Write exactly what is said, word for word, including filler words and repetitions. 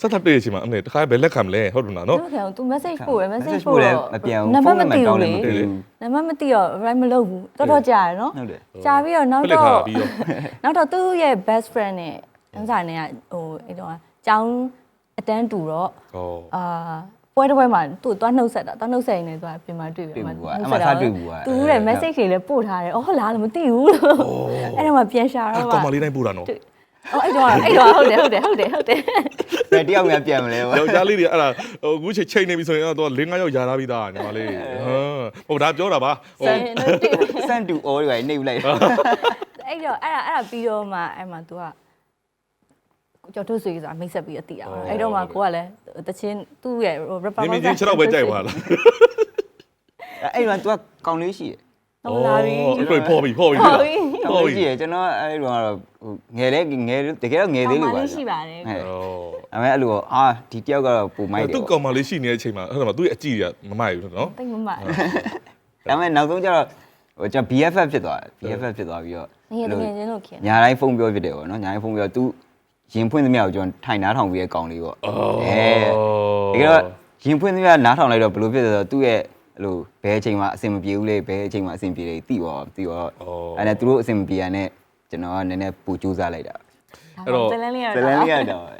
ဆက်ထပ်တွေ့ရချင်းမှာအဲ့တခါဘယ်လက်ခံမလဲဟုတ်တယ်နော်သူခင်သူ message ပို့ရ message ပို့တော့မပြန်ဘူးနံပါတ်မသိဘူးလေဖုန်းနံပါတ်တောင်းလည်းမသိဘူးနံပါတ်မသိတော့ right မလုပ်ဘူးတော်တော်ကြာရယ်နော်ဟုတ်တယ်ကြာပြီးတော့နောက်ပလက်တော့ထားပြီးတော့နောက်တော့သူ့ရဲ့ best friend နဲ့အန်းဆိုင်နဲ့ကဟိုအဲ့တော့ကျောင်းအတန်းတူတော့ဟောအာပွဲတစ်ပွဲမှာသူ့သွားနှုတ်ဆက်တာသွားနှုတ်ဆက်ရင်လည်းသူကပြင်မှာတွေ့ပြီတွေ့ဘူးကွာအဲ့မှာစတွေ့ဘူးကွာသူတဲ့ message တွေလည်းပို့ထားတယ်အော်ဟုတ်လားမသိဘူးလို့အဲ့တော့မှပြန်ရှာအဲ့တော့ကောင်မလေးတိုင်းပို့တာနော်အော်အဲ့တော့အဲ့တော့ဟုတ်တယ်ဟုတ်တယ်ဟုတ်တယ်ဟုတ်တယ်ဘယ်တယောက်များပြန်မလဲကွာယောက်ျားလေးတွေအဲ့ဒါဟိုအခုချိန်ချိန်နေပြီဆိုရင်တော့၄၅ယောက်ယာထားပြီးသားညီမလေးဟမ်ဟိုဒါပြောတာပါဟိုစန်တူအော်တွေနေလိုက်အဲ့တော့အဲ့ဒါအဲ့ဒါပြီးတော့မှအဲ့မှာ तू ကကျော်ထုတ်ဆွေဆိုတာမိတ်ဆက်ပြီးအတိအောင်အဲ့တော့မှကိုကလည်းတချင်းသူ့ရဲ့ rapper နေမင်းချင်းခြေတော့ပဲကြိုက်ပါလားအဲ့တော့ तू ကကောင်းလေးရှိတယ်ဟုတ်လားပြီဟုတ်ဖော်ပြီဖော်ပြီဟုတ်ပြီကောင်းလေးရှိတယ်ကျွန်တော်အဲ့တော့ကတော့ငယ်လဲငယ်တကယ်တော့ငယ်သေးလို့ပါရှိပါတယ်ဟဲ့အမေအဲ့လိုအာဒီတယောက်ကတော့ပုံမိုက်တယ်သူ့ကောင်မလေးရှိနေတဲ့အချိန်မှာအဲ့ဒါမှသူ့ရဲ့အကြည့်ရမမိုက်ဘူးနော်တိတ်မမဒါပေမဲ့နောက်ဆုံးကျတော့ဟိုကျွန်တော် B F F ဖြစ်သွားတယ် B F F ဖြစ်သွားပြီးတော့ငယ်တကယ်ချင်းလို့ခင်ညာတိုင်းဖုန်းပြောဖြစ်တယ်ပေါ့နော်ညာတိုင်းဖုန်းပြော तू ရင်ဖွင့်သမျှကိုကျွန်တော်ထိုင်နားထောင်ပြီးရဲ့ကောင်လေးပေါ့အဲတကယ်တော့ရင်ဖွင့်သမျှနားထောင်လိုက်တော့ဘယ်လိုဖြစ်လဲဆိုတော့သူ့ရဲ့အဲ့လိုဘယ်အချိန်မှအဆင်မပြေဘူးလေဘယ်အချိန်မှအဆင်ပြေတယ်သိပါသိပါအဲ့ဒါသူတို့အဆင်မပြေရတဲ့ကျွန်တော်ကနည်းနည်းပူကြိုးစားလိုက်တာအဲ့တော့ဇလန်းလေးရဇလန်းလေးရတော့